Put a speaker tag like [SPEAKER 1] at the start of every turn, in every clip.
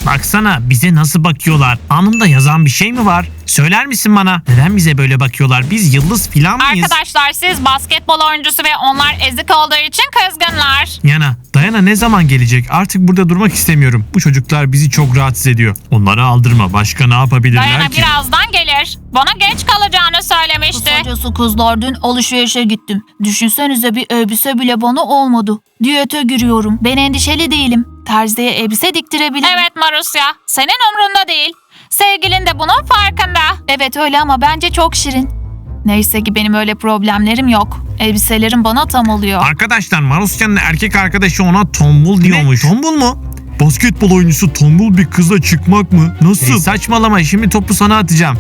[SPEAKER 1] Baksana bize nasıl bakıyorlar. Alnımda yazan bir şey mi var? Söyler misin bana? Neden bize böyle bakıyorlar? Biz yıldız filan mıyız?
[SPEAKER 2] Arkadaşlar siz basketbol oyuncusu ve onlar ezik olduğu için kızgınlar.
[SPEAKER 1] Dayana ne zaman gelecek? Artık burada durmak istemiyorum. Bu çocuklar bizi çok rahatsız ediyor. Onları aldırma. Başka ne yapabilirler
[SPEAKER 2] Dayana
[SPEAKER 1] ki?
[SPEAKER 2] birazdan gelir. Bana geç kalacağını söylemişti.
[SPEAKER 3] Kısacası kızlar dün alışverişe gittim. Düşünsenize bir elbise bile bana olmadı. Diyete giriyorum. Ben endişeli değilim. Terziye elbise diktirebilirim.
[SPEAKER 2] Evet Marusya, senin umrunda değil. Sevgilin de bunun farkında.
[SPEAKER 3] Evet öyle ama bence çok şirin. Neyse ki benim öyle problemlerim yok. Elbiselerim bana tam oluyor.
[SPEAKER 1] Arkadaşlar Marusya'nın erkek arkadaşı ona tombul diyormuş. Tombul mu? Basketbol oyuncusu tombul bir kızla çıkmak mı? Nasıl? Saçmalama, şimdi topu sana atacağım.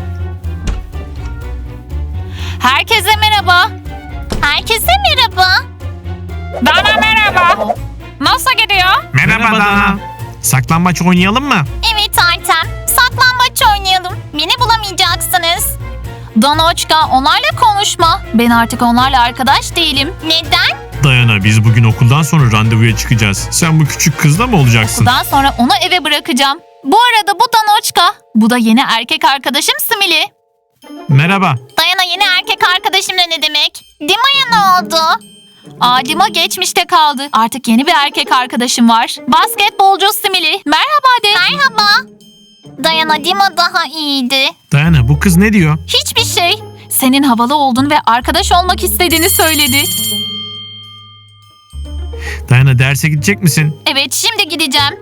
[SPEAKER 3] Herkese merhaba.
[SPEAKER 2] Herkese merhaba. Dana merhaba. Nasıl gidiyor?
[SPEAKER 1] Merhaba Dana. Saklambaç oynayalım mı?
[SPEAKER 2] Evet Artem. Saklambaç oynayalım. Beni bulamayacaksınız.
[SPEAKER 3] Danoçka onlarla konuşma. Ben artık onlarla arkadaş değilim.
[SPEAKER 2] Neden?
[SPEAKER 1] Dayana, biz bugün okuldan sonra randevuya çıkacağız. Sen bu küçük kızla mı olacaksın?
[SPEAKER 3] Daha sonra onu eve bırakacağım. Bu arada bu Danoçka. Bu da yeni erkek arkadaşım Simili.
[SPEAKER 1] Merhaba.
[SPEAKER 2] Dayana yeni erkek arkadaşımla ne demek? Dima'ya ne oldu?
[SPEAKER 3] Adima geçmişte kaldı. Artık yeni bir erkek arkadaşım var. Basketbolcu Simili. Merhaba de.
[SPEAKER 2] Merhaba. Dayana Dima daha iyiydi.
[SPEAKER 1] Dayana, bu kız ne diyor?
[SPEAKER 3] Hiçbir şey. Senin havalı olduğunu ve arkadaş olmak istediğini söyledi.
[SPEAKER 1] Dayana, derse gidecek misin?
[SPEAKER 3] Evet şimdi gideceğim.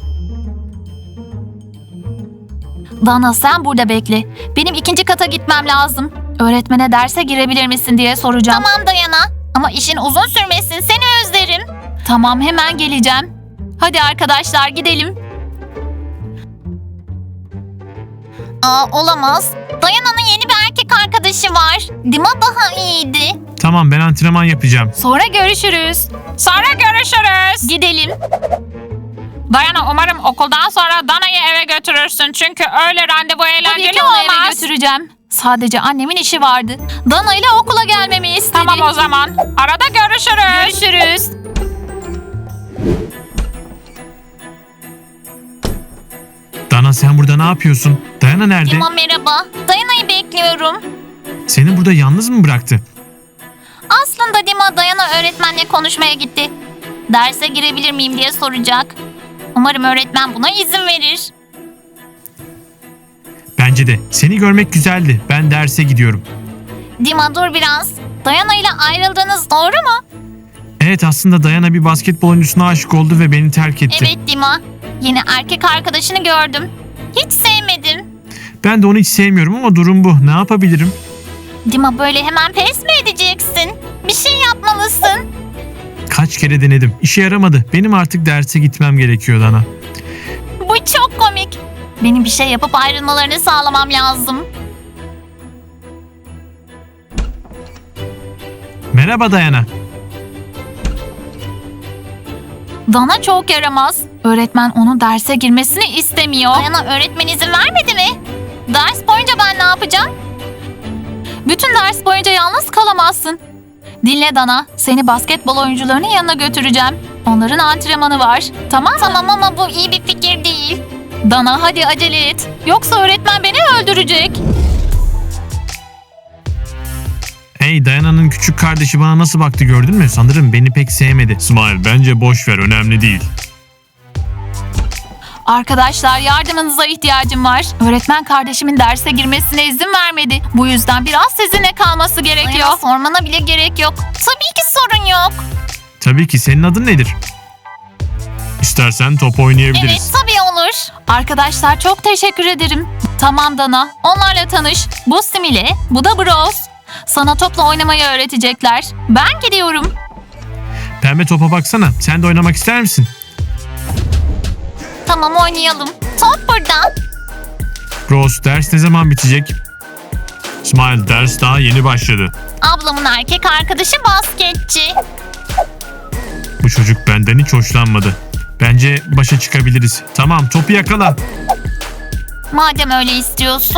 [SPEAKER 3] Dana sen burada bekle. Benim ikinci kata gitmem lazım. Öğretmene derse girebilir misin diye soracağım.
[SPEAKER 2] Tamam Dayana. Ama işin uzun sürmesin. Seni özlerim.
[SPEAKER 3] Tamam hemen geleceğim. Hadi arkadaşlar gidelim.
[SPEAKER 2] Olamaz. Dayana'nın yeni bir erkek arkadaşı var. Dima daha iyiydi.
[SPEAKER 1] Tamam, ben antrenman yapacağım.
[SPEAKER 3] Sonra görüşürüz.
[SPEAKER 2] Sonra görüşürüz.
[SPEAKER 3] Gidelim.
[SPEAKER 2] Dayana umarım okuldan sonra Dana'yı eve götürürsün. Çünkü öyle randevu
[SPEAKER 3] Tabii
[SPEAKER 2] eğlenceli
[SPEAKER 3] ki onu eve
[SPEAKER 2] olmaz.
[SPEAKER 3] götüreceğim. Sadece annemin işi vardı. Dana ile okula gelmemi istedi.
[SPEAKER 2] Tamam o zaman. Arada görüşürüz.
[SPEAKER 3] Görüşürüz.
[SPEAKER 1] Dana, sen burada ne yapıyorsun? Dayana nerede?
[SPEAKER 2] Dima merhaba. Dayana'yı bekliyorum.
[SPEAKER 1] Seni burada yalnız mı bıraktı?
[SPEAKER 2] Aslında Dima Dayana öğretmenle konuşmaya gitti. Derse girebilir miyim diye soracak. Umarım öğretmen buna izin verir.
[SPEAKER 1] Bence de. Seni görmek güzeldi. Ben derse gidiyorum.
[SPEAKER 2] Dima dur biraz. Dayana ile ayrıldığınız doğru mu?
[SPEAKER 1] Evet, aslında Dayana bir basketbol oyuncusuna aşık oldu ve beni terk etti.
[SPEAKER 2] Evet Dima. Yeni erkek arkadaşını gördüm. Hiç sevmedim.
[SPEAKER 1] Ben de onu hiç sevmiyorum ama durum bu. Ne yapabilirim?
[SPEAKER 2] Dima böyle hemen pes mi edeceksin? Bir şey yapmalısın.
[SPEAKER 1] Kaç kere denedim. İşe yaramadı. Benim artık derse gitmem gerekiyor Dana.
[SPEAKER 2] Bu çok komik. Benim bir şey yapıp ayrılmalarını sağlamam lazım.
[SPEAKER 1] Merhaba Dayana.
[SPEAKER 3] Dana çok yaramaz. Öğretmen onun derse girmesini istemiyor.
[SPEAKER 2] Dayana öğretmen izin vermedi mi? Ders boyunca ben ne yapacağım?
[SPEAKER 3] Bütün ders boyunca yalnız kalamazsın. Dinle Dana, seni basketbol oyuncularının yanına götüreceğim. Onların antrenmanı var. Tamam mı?
[SPEAKER 2] Tamam ama bu iyi bir fikir değil.
[SPEAKER 3] Dana hadi acele et. Yoksa öğretmen beni öldürecek.
[SPEAKER 1] Hey, Dayana'nın küçük kardeşi bana nasıl baktı, gördün mü? Sanırım beni pek sevmedi. Smile, bence boş ver, önemli değil.
[SPEAKER 3] Arkadaşlar yardımınıza ihtiyacım var. Öğretmen kardeşimin derse girmesine izin vermedi. Bu yüzden biraz sizinle kalması gerekiyor.
[SPEAKER 2] Dayana sormana bile gerek yok. Tabii ki sorun yok.
[SPEAKER 1] Tabii ki. Senin adın nedir? İstersen top oynayabiliriz.
[SPEAKER 2] Evet tabii olur.
[SPEAKER 3] Arkadaşlar çok teşekkür ederim. Tamam Dana, onlarla tanış. Bu Simile, bu da Bros. Sana topla oynamayı öğretecekler. Ben gidiyorum.
[SPEAKER 1] Pembe, topa baksana. Sen de oynamak ister misin?
[SPEAKER 2] Tamam oynayalım. Top burada.
[SPEAKER 1] Rose, ders ne zaman bitecek? Smile, ders daha yeni başladı.
[SPEAKER 2] Ablamın erkek arkadaşı basketçi.
[SPEAKER 1] Bu çocuk benden hiç hoşlanmadı. Bence başa çıkabiliriz. Tamam, topu yakala.
[SPEAKER 2] Madem öyle istiyorsun.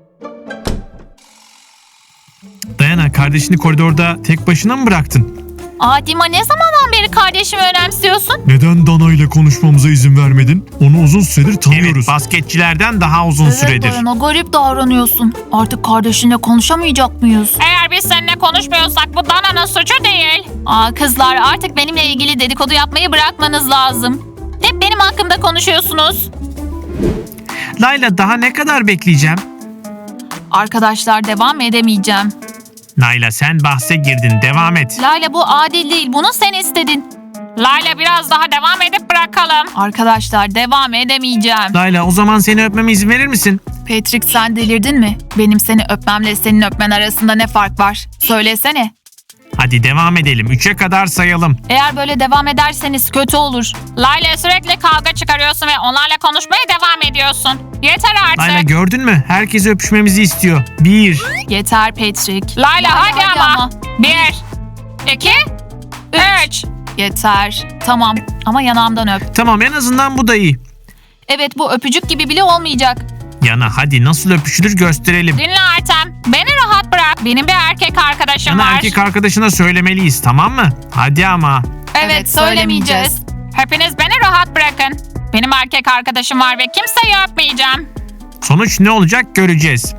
[SPEAKER 1] Dayana, kardeşini koridorda tek başına mı bıraktın?
[SPEAKER 3] Dima ne zamandan beri kardeşimi önemsiyorsun?
[SPEAKER 1] Neden Dana ile konuşmamıza izin vermedin? Onu uzun süredir tanıyoruz. Evet, basketçilerden daha uzun süredir.
[SPEAKER 3] Dayana garip davranıyorsun. Artık kardeşinle konuşamayacak mıyız?
[SPEAKER 2] Eğer biz seninle konuşmuyorsak bu Dana'nın suçu değil.
[SPEAKER 3] Kızlar artık benimle ilgili dedikodu yapmayı bırakmanız lazım. Hep benim hakkımda konuşuyorsunuz.
[SPEAKER 1] Layla daha ne kadar bekleyeceğim?
[SPEAKER 3] Arkadaşlar devam edemeyeceğim.
[SPEAKER 1] Layla sen bahse girdin, devam et.
[SPEAKER 3] Layla bu adil değil. Bunu sen istedin.
[SPEAKER 2] Layla biraz daha devam edip bırakalım.
[SPEAKER 3] Arkadaşlar devam edemeyeceğim.
[SPEAKER 1] Layla o zaman seni öpmeme izin verir misin?
[SPEAKER 3] Patrick sen delirdin mi? Benim seni öpmemle senin öpmen arasında ne fark var? Söylesene.
[SPEAKER 1] Hadi devam edelim. 3'e kadar sayalım.
[SPEAKER 3] Eğer böyle devam ederseniz kötü olur.
[SPEAKER 2] Layla sürekli kavga çıkarıyorsun ve onlarla konuşmaya devam ediyorsun. Yeter artık.
[SPEAKER 1] Layla gördün mü? Herkes öpüşmemizi istiyor. 1.
[SPEAKER 3] Yeter Patrick.
[SPEAKER 2] Layla hadi ama. 1, 2, 3.
[SPEAKER 3] Yeter. Tamam ama yanağımdan öp.
[SPEAKER 1] Tamam, en azından bu da iyi.
[SPEAKER 3] Evet bu öpücük gibi bile olmayacak.
[SPEAKER 1] Yana hadi nasıl öpüşülür gösterelim.
[SPEAKER 2] Dinle Artem. Beni rahat bırak. Benim bir erkek arkadaşım
[SPEAKER 1] Yana
[SPEAKER 2] var.
[SPEAKER 1] erkek arkadaşına söylemeliyiz, tamam mı? Hadi ama.
[SPEAKER 3] Evet, söylemeyeceğiz.
[SPEAKER 2] Hepiniz beni rahat bırakın. Benim erkek arkadaşım var ve kimseyi öpmeyeceğim.
[SPEAKER 1] Sonuç ne olacak göreceğiz.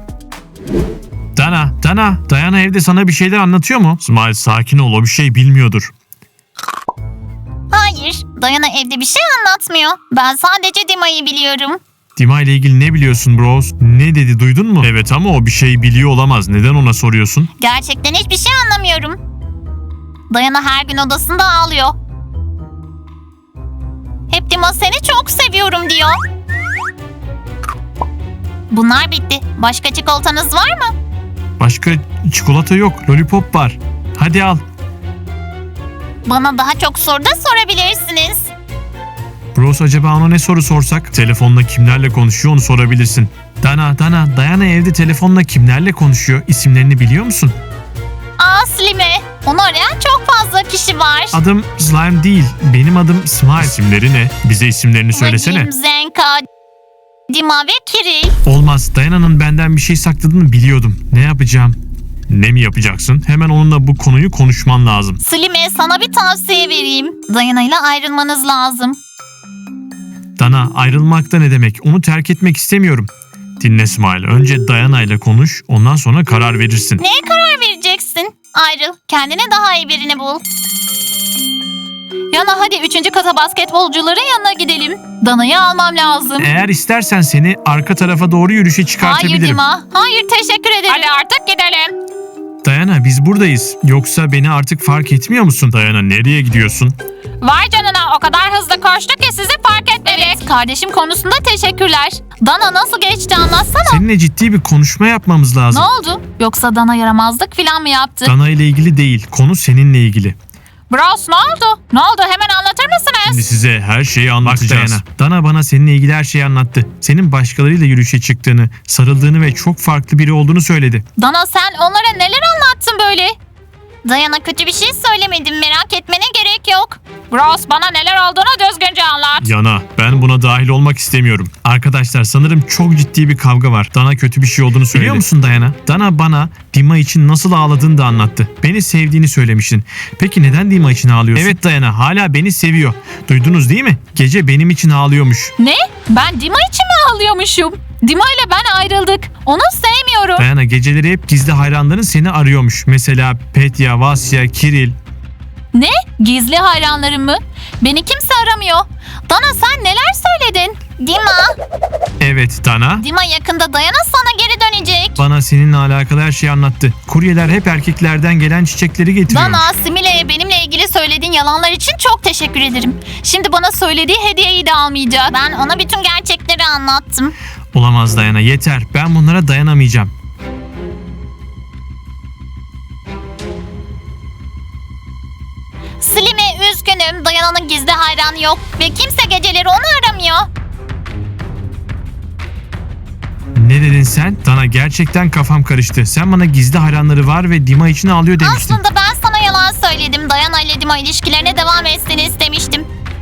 [SPEAKER 1] Dayana evde sana bir şeyler anlatıyor mu? İsmail sakin ol, o bir şey bilmiyordur.
[SPEAKER 2] Hayır, Dayana evde bir şey anlatmıyor. Ben sadece Dima'yı biliyorum.
[SPEAKER 1] Dima ile ilgili ne biliyorsun bros? Ne dedi, duydun mu? Evet ama o bir şey biliyor olamaz. Neden ona soruyorsun?
[SPEAKER 2] Gerçekten hiçbir şey anlamıyorum. Dayana her gün odasında ağlıyor. Hep Dima seni çok seviyorum diyor. Bunlar bitti. Başka çikolatanız var mı?
[SPEAKER 1] Başka çikolata yok, lollipop var. Hadi al.
[SPEAKER 2] Bana daha çok soru da sorabilirsiniz.
[SPEAKER 1] Bros acaba ona ne soru sorsak? Telefonla kimlerle konuşuyor onu sorabilirsin. Dayana evde telefonla kimlerle konuşuyor? İsimlerini biliyor musun?
[SPEAKER 2] Slime. Onu arayan çok fazla kişi var.
[SPEAKER 1] Adım Slime değil, benim adım İsmail. İsimleri ne? Bize isimlerini söylesene.
[SPEAKER 2] Vadim, Zenka, Dima ve Kiril.
[SPEAKER 1] Olmaz, Dayana'nın benden bir şey sakladığını biliyordum. Ne yapacağım? Ne mi yapacaksın? Hemen onunla bu konuyu konuşman lazım.
[SPEAKER 2] Slime sana bir tavsiye vereyim. Dayana ile ayrılmanız lazım.
[SPEAKER 1] Dana, ayrılmak da ne demek? Onu terk etmek istemiyorum. Dinle İsmail, önce Dayana ile konuş, ondan sonra karar verirsin.
[SPEAKER 2] Neye karar vereceksin? Ayrıl. Kendine daha iyi birini bul.
[SPEAKER 3] Yana hadi 3. kata basketbolcuların yanına gidelim. Dana'yı almam lazım.
[SPEAKER 1] Eğer istersen seni arka tarafa doğru yürüyüşe
[SPEAKER 3] Hayır
[SPEAKER 1] çıkartabilirim.
[SPEAKER 3] Dima. Hayır teşekkür ederim.
[SPEAKER 2] Hadi artık gidelim.
[SPEAKER 1] Dayana, biz buradayız. Yoksa beni artık fark etmiyor musun? Dayana, nereye gidiyorsun?
[SPEAKER 2] Vay canına, o kadar hızlı koştuk ki sizi fark etmedik.
[SPEAKER 3] Kardeşim konusunda teşekkürler. Dana nasıl geçti anlatsana.
[SPEAKER 1] Seninle ciddi bir konuşma yapmamız
[SPEAKER 3] Ne
[SPEAKER 1] lazım.
[SPEAKER 3] oldu? Yoksa Dana yaramazlık falan mı yaptı?
[SPEAKER 1] Dana ile ilgili değil, konu seninle ilgili.
[SPEAKER 2] Bros ne oldu? Ne oldu, hemen anlatır
[SPEAKER 1] Şimdi
[SPEAKER 2] mısınız?
[SPEAKER 1] size her şeyi anlatacağız. Dana bana seninle ilgili her şeyi anlattı. Senin başkalarıyla yürüyüşe çıktığını, sarıldığını ve çok farklı biri olduğunu söyledi.
[SPEAKER 3] Dana sen onlara neler anlattın böyle?
[SPEAKER 2] Dayana kötü bir şey söylemedim, merak etmene gerek yok. Bros bana neler olduğunu düzgünce anlat.
[SPEAKER 1] Yana, ben buna dahil olmak istemiyorum. Arkadaşlar sanırım çok ciddi bir kavga var. Dana kötü bir şey olduğunu söyledi. Biliyor musun Dayana? Dana bana Dima için nasıl ağladığını da anlattı. Beni sevdiğini söylemiştin. Peki neden Dima için ağlıyorsun? Evet Dayana, hala beni seviyor. Duydunuz değil mi? Gece benim için ağlıyormuş.
[SPEAKER 3] Ne? Ben Dima için mi ağlıyormuşum? Dima ile ben ayrıldık. Onu sevmiyorum.
[SPEAKER 1] Dayana, geceleri hep gizli hayranların seni arıyormuş. Mesela Petya, Vasya, Kiril.
[SPEAKER 3] Ne? Gizli hayranlarım mı? Beni kimse aramıyor. Dana sen neler söyledin?
[SPEAKER 2] Dima,
[SPEAKER 1] Evet Dana.
[SPEAKER 2] Dima yakında Dayana sana geri dönecek.
[SPEAKER 1] Bana seninle alakalı her şeyi anlattı. Kuryeler hep erkeklerden gelen çiçekleri getiriyormuş.
[SPEAKER 3] Dana, Simile'ye benimle ilgili söylediğin yalanlar için çok teşekkür ederim. Şimdi bana söylediği hediyeyi de almayacak.
[SPEAKER 2] Ben ona bütün gerçekleri anlattım.
[SPEAKER 1] Olamaz Dayana, yeter. Ben bunlara dayanamayacağım.
[SPEAKER 2] Slime üzgünüm, Dayana'nın gizli hayranı yok ve kimse geceleri onu aramıyor.
[SPEAKER 1] Ne dedin sen? Dana, gerçekten kafam karıştı. Sen bana gizli hayranları var ve Dima için ağlıyor demiştin.
[SPEAKER 2] Aslında ben sana yalan söyledim. Dayana ile Dima ilişkilerine devam etsin istemiştim.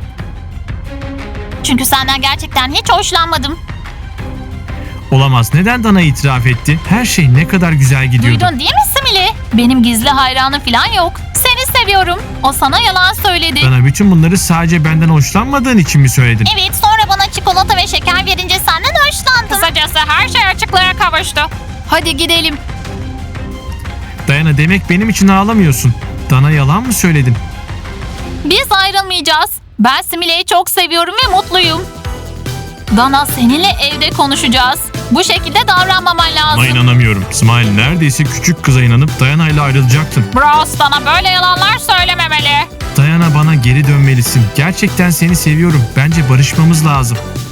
[SPEAKER 2] Çünkü senden gerçekten hiç hoşlanmadım.
[SPEAKER 1] Olamaz. Neden Dana itiraf etti? Her şey ne kadar güzel gidiyordu.
[SPEAKER 3] Duydun değil mi Simile? Benim gizli hayranım falan yok. Seni seviyorum. O sana yalan söyledi.
[SPEAKER 1] Dana, bütün bunları sadece benden hoşlanmadığın için mi söyledin?
[SPEAKER 2] Evet, sonra bana çikolata ve şeker verince senden hoşlandım.
[SPEAKER 3] Kısacası her şey açıklığa kavuştu. Hadi gidelim.
[SPEAKER 1] Dayana, demek benim için ağlamıyorsun. Dana, yalan mı söyledim?
[SPEAKER 3] Biz ayrılmayacağız. Ben Simile'yi çok seviyorum ve mutluyum. Dana, seninle evde konuşacağız. Bu şekilde davranmaman lazım.
[SPEAKER 1] Buna inanamıyorum. Smile, neredeyse küçük kıza inanıp Dayana ile ayrılacaktın.
[SPEAKER 3] Bros, Dana böyle yalanlar söylememeli.
[SPEAKER 1] Dayana, bana geri dönmelisin. Gerçekten seni seviyorum. Bence barışmamız lazım.